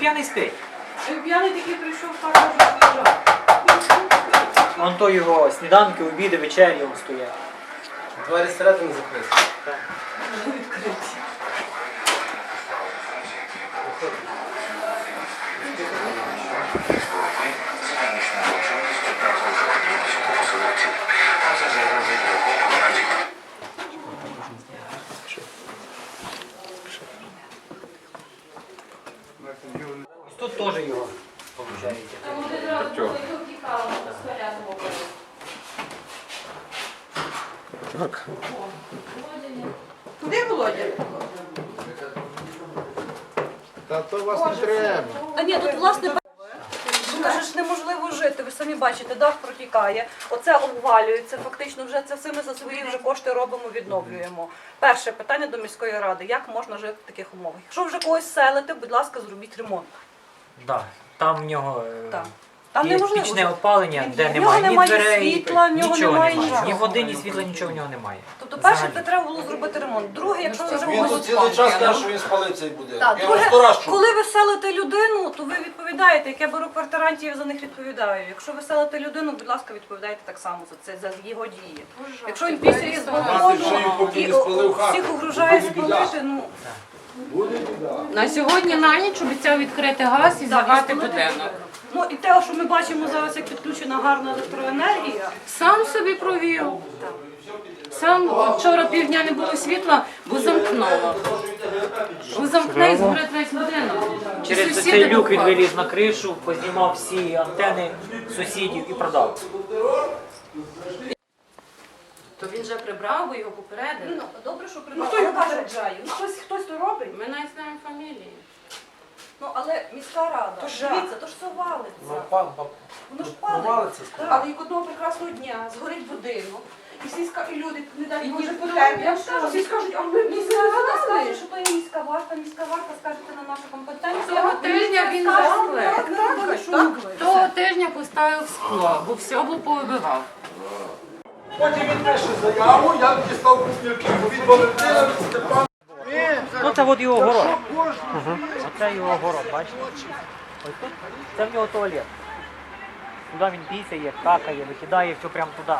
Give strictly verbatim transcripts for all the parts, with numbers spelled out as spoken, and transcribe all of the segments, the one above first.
п'яний спить. П'яний такий прийшов, пару вже лежав. Вон то його сніданки, обіди, вечері вон стоять. Двері зсередини закриті. Так. Відкриті. Тут теж його виходить. Так. Куди Володя? Та то вас не треба. Та ні, тут власне каже ж неможливо жити. Ви самі бачите, дах протікає, оце обвалюється. Фактично, вже це все ми за свої вже кошти робимо, відновлюємо. Перше питання до міської ради: як можна жити в таких умовах? Якщо вже когось селите, будь ласка, зробіть ремонт. Да, там в нього е, Так. Там є неможливо пічне жити. опалення, де В нього немає ні немає дверей, світла, в нього нічого немає немає. нічого. Ні води, ні світла, нічого в нього немає. Тобто, перше, Взагалі. це треба було зробити ремонт. Друге, якщо ви вже Він тут когось цілий час каже, що він спалив цей будинок. Так, Я його друге, сто раз чув. коли ви селите людину, то ви відповідаєте. Як я беру квартирантів, я за них відповідаю. Якщо ви селите людину, будь ласка, відповідайте так само за це, за його дії. Якщо він після з балкону поки і не спалив хату, всіх угрожає буде біда. спалити, ну На сьогодні на ніч обіцяв відкрити газ і так, завати і спалити будинок. Ну і те, що ми бачимо зараз, як підключена гарна електроенергія. Сам собі провів. Сам вчора півдня не було світла, бо замкнуло. Бо замкне і згорить весь будинок. Через Сусіди цей люк він виходять. виліз на кришу, познімав всі антени сусідів і продав. То він вже прибрав, бо його попередили. Ну, добре, що Ну, придбав. хто його Але попереджає? Ну, хтось, хтось то робить. Ми навіть знаємо фамілії. Ну, але міська рада, То жах. дивіться, то ж все валиться. Пан, пан. Воно ж Провалиться, палиться. скажімо. Але як одного прекрасного дня згорить будинок, і всі ска- і люди не дають І Боже ніхто потерпі. не Я скажу, скаже. всі скажуть, а ми міська рада скаже, що то є міська варта, міська варта, скажете на нашу компетенцію. Того а тижня він скаже, заклик. «Так, ми робили, що могли». Того тижня поставив скло, бо все було повибивав. Потім він пише заяву, я дістав купівки від Валентина, від Степана. Ну це от його город. Оце його город, бачите? Ось тут, це в нього туалет. Туди він пісяє, какає, викидає все прямо туди.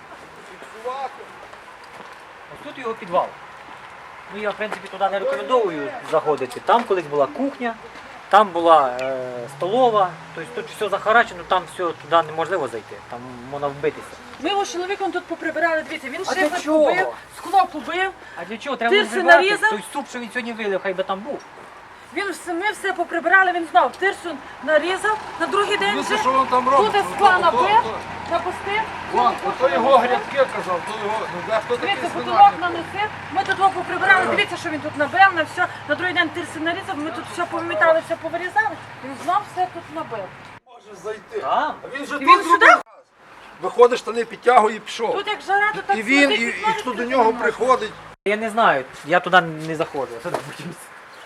Ось тут його підвал. Ну я в принципі туди не рекомендую заходити. Там колись була кухня, там була е, столова, тобто тут все захарачено, там все туди неможливо зайти, там можна вбитися. Ми його з чоловіком тут поприбирали, дивіться, він А для шифер чого? побив, скло побив, А для чого? Треба Тирси вбивати нарізав? той суп, що він сьогодні вилив, хай би там був. він все, ми все поприбирали, він знав, тирсу нарізав, на другий день Дивіться, вже що він там робить. туди скла набив, напустив, Вон, ото його грядки казав, то його, ну де хто такий дивіться, потолок свинарник? наносив, ми тут його поприбирали, дивіться, що він тут набив, на все, на другий день тирси нарізав, ми тут все повимітали, все повирізали, він знав, все тут набив. Може зайти. Там? А він же І тут він сюди? зробив. Виходиш, штани підтягує і пішов. Тут як жара, то так І він, і, сидить, і знаєш, хто до тут нього немає. приходить. Я не знаю, я туди не заходжу, я туди боюсь.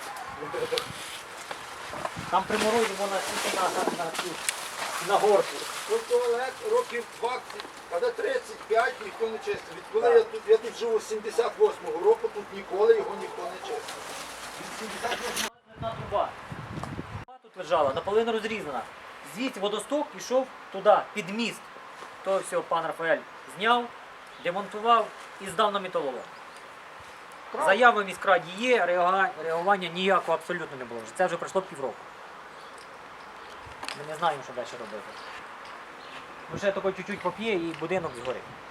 Там приморозимо на на, на, на, на горку. Тут туалет років двадцять, а де тридцять п'ять ніхто не чистив. Відколи я тут, я тут живу з сімдесят восьмого року, тут ніколи його ніхто не чистив. Від сімдесят восьмого Одна труба. Труба тут лежала, наполовину розрізана. Звідси водосток пішов туди, під міст. То все пан Рафаель зняв, демонтував і здав на металолом. Заяви в міськраді є, реага- реагування ніякого абсолютно не було. Це вже пройшло півроку. Ми не знаємо, що далі робити. Ну ще тако чуть-чуть поп'є і будинок згорить.